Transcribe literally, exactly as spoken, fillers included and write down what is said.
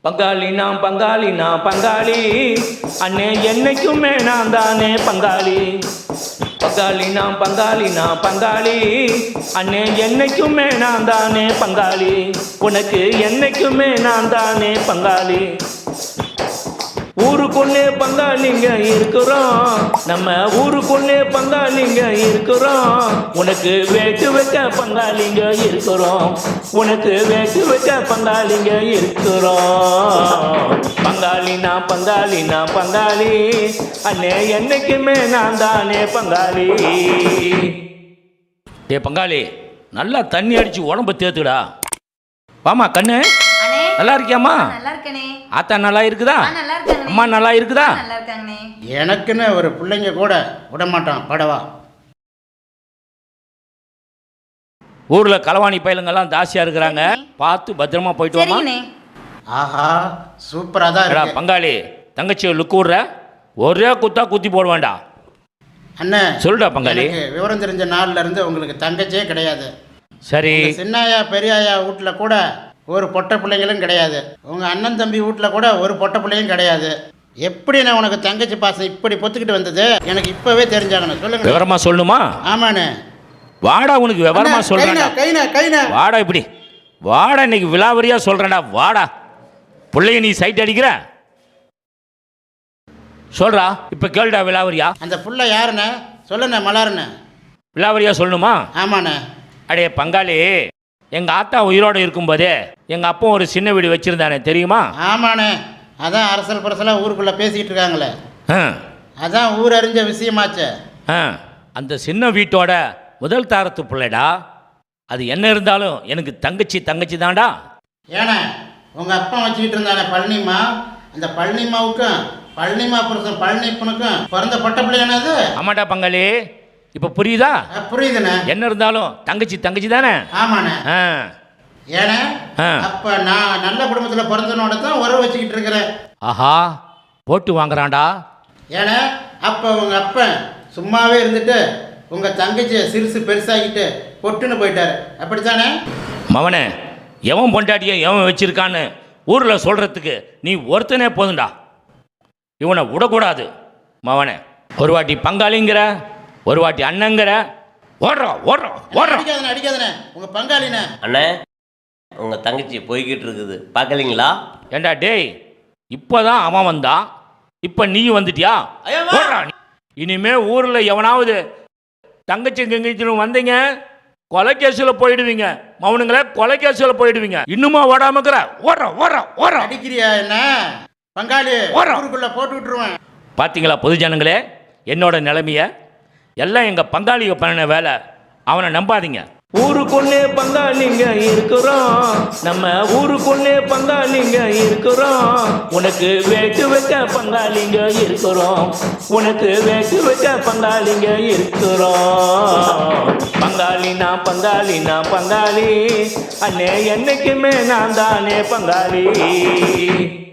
பங்காளி நான் பங்காளி நான் பங்காளி அண்ணே என்னைக்குமே நான் தானே பங்காளி. பங்காளி நான் பங்காளி நான் பங்காளி அண்ணே என்னைக்குமே நான் தானே பங்காளி. உனக்கு என்னைக்குமே நான் தானே பங்காளி. ஊருக்குள்ளே பங்காளிங்க இருக்கிறோம், நம்ம ஊருக்குள்ளே பங்காளிங்க இருக்கிறோம். உனக்கு வேட்டு வைக்க பங்காளிங்க இருக்கிறோம், உனக்கு வேட்டு வைக்க பங்காளிங்க இருக்கிறோம். பங்காளி நான் பங்காளி நான் பங்காளி அண்ணே என்னைக்குமே நான் தானே பங்காளி. ஏ பங்காளி, நல்லா தண்ணி அடிச்சு உடம்பு தேத்துடா. வாமா கண்ணு, நல்லா இருக்கியாம்மா? ஆத்தா நல்லா இருக்குதா? அம்மா நல்லா இருக்குதா? எனக்குன்னு ஒரு பிள்ளைங்க கூட விட மாட்டான் படவா. ஊர்ல களவாணி பயலுங்கெல்லாம் தாசியா இருக்கிறாங்க, பார்த்து பத்திரமா போயிட்டு வாமா. ஆஹா, சூப்பரா தான் இருக்கு. பங்காளி, தங்கச்சி லுக்கு விடுற, ஒரே குத்தா குத்தி போட வேண்டாம். அண்ணே சொல்லுடா பங்காளி. விவரம் தெரிஞ்ச நாள்ல இருந்து உங்களுக்கு தங்கச்சியே கிடையாது. சரி, சின்னாயா பெரியாயா வீட்டில் கூட ஒரு பொட்டை பிள்ளைங்களும் கிடையாது. உங்கள் அண்ணன் தம்பி வீட்டில் கூட ஒரு பொட்டை பிள்ளையும் கிடையாது. எப்படி நான் உனக்கு தங்கச்சி பாசம் இப்படி பொத்துக்கிட்டு வந்தது எனக்கு இப்போவே தெரிஞ்சாகணும். சொல்லுங்க. விவரமா சொல்லணுமா? ஆமாண்ணே. வாடா, உனக்கு விவரமா சொல்கிறேன். கைனா கைனா வாடா, இப்படி வாடா, இன்னைக்கு விலாவரியா சொல்கிறேன்டா. வாடா, பிள்ளைய நீ சைட் அடிக்கிற சொல்கிறா. இப்போ கேளுடா விலாவரியா. அந்த புள்ள யாருண்ணே? சொல்லுண்ணே. மலர்ண்ணே. விலாவரியா சொல்லணுமா? ஆமாண்ணே. அடே பங்காளி, எங்கள் ஆத்தா உயிரோடு இருக்கும்போதே எங்கள் அப்பா ஒரு சின்ன வீடு வச்சுருந்தானே, தெரியுமா? ஆமாண்ணே. அதான் அரசல் பரசலாக ஊருக்குள்ளே பேசிக்கிட்டு இருக்காங்களே. ஆ, அதான் ஊர் அறிஞ்ச விஷயமாச்சே. ஆ, அந்த சின்ன வீட்டோட முதல் தாரத்து பிள்ளைடா. அது என்ன இருந்தாலும் எனக்கு தங்கச்சி தங்கச்சி தான்டா. ஏன்னா உங்கள் அப்பா வச்சுக்கிட்டு இருந்தானே பழனிமா, அந்த பழனிமாவுக்கும் பழனிமா புருஷன் பழனிப்பனுக்கும் பிறந்த பட்ட பிள்ளையானது அது? ஆமாடா பங்காளி, இப்போ புரியுதா? புரியுதுண்ணே. என்ன இருந்தாலும் தங்கச்சி தங்கச்சி தானே. ஆமாண்ணே. ஆ, ஏன்னா அப்போ நான் நல்ல குடும்பத்தில் பிறந்தனோட தான் உறவு வச்சுக்கிட்டு இருக்கிறேன். ஆஹா, போட்டு வாங்குறான்டா. ஏன்னா அப்போ உங்கள் அப்பன் சும்மாவே இருந்துட்டு உங்கள் தங்கச்சியை சிறுசு பெருசாகிட்டு பொட்டுன்னு போயிட்டாரு. அப்படித்தானே மவனே? எவன் பொண்டாட்டியை எவன் வச்சிருக்கான்னு ஊரில் சொல்கிறதுக்கு நீ ஒருத்தனே போதுண்டா. இவனை விடக்கூடாது மவனே. ஒரு வாட்டி பங்காளிங்கிற, ஒரு வாட்டி அண்ணங்கிற. ஓடுறோம் ஓடுறோம் ஓடுறோம். அடிக்காதண்ணே அடிக்காதண்ணே. உங்கள் பங்காளிண்ணே. அண்ணே, உங்கள் தங்கச்சி போய்கிட்டு இருக்குது, பார்க்கலீங்களா? ஏண்டா டேய், இப்போதான் அவன் வந்தான், இப்போ நீ வந்துட்டியா? இனிமே ஊரில் எவனாவது தங்கச்சி கங்கச்சின்னு வந்தீங்க கொலைக்கேசில் போயிடுவீங்க. மௌனுங்களே, கொலைக்கேசில் போயிடுவீங்க. இன்னுமா ஓடாமக்கிற? ஓடுறோம் ஓடுறோம் ஓடுறோம். அடிக்கிறியா என்ன பங்காளி? ஊருக்குள்ளே போட்டு விட்டுருவேன். பார்த்தீங்களா பொதுஜனங்களே என்னோட நிலைமைய? எல்லாம் எங்கள் பங்காளிக பண்ண வேலை, அவனை நம்பாதீங்க. ஊருக்குள்ளே பங்காளிங்க இருக்கிறோம், நம்ம ஊருக்குள்ளே பங்காளிங்க இருக்கிறோம். உனக்கு வேட்டு வைக்க பங்காளிங்க இருக்கிறோம், உனக்கு வேட்டு வைக்க பங்காளிங்க இருக்கிறோம். பங்காளி நான் பங்காளி நான் பங்காளி அண்ணே என்னைக்குமே நான் தானே பங்காளி.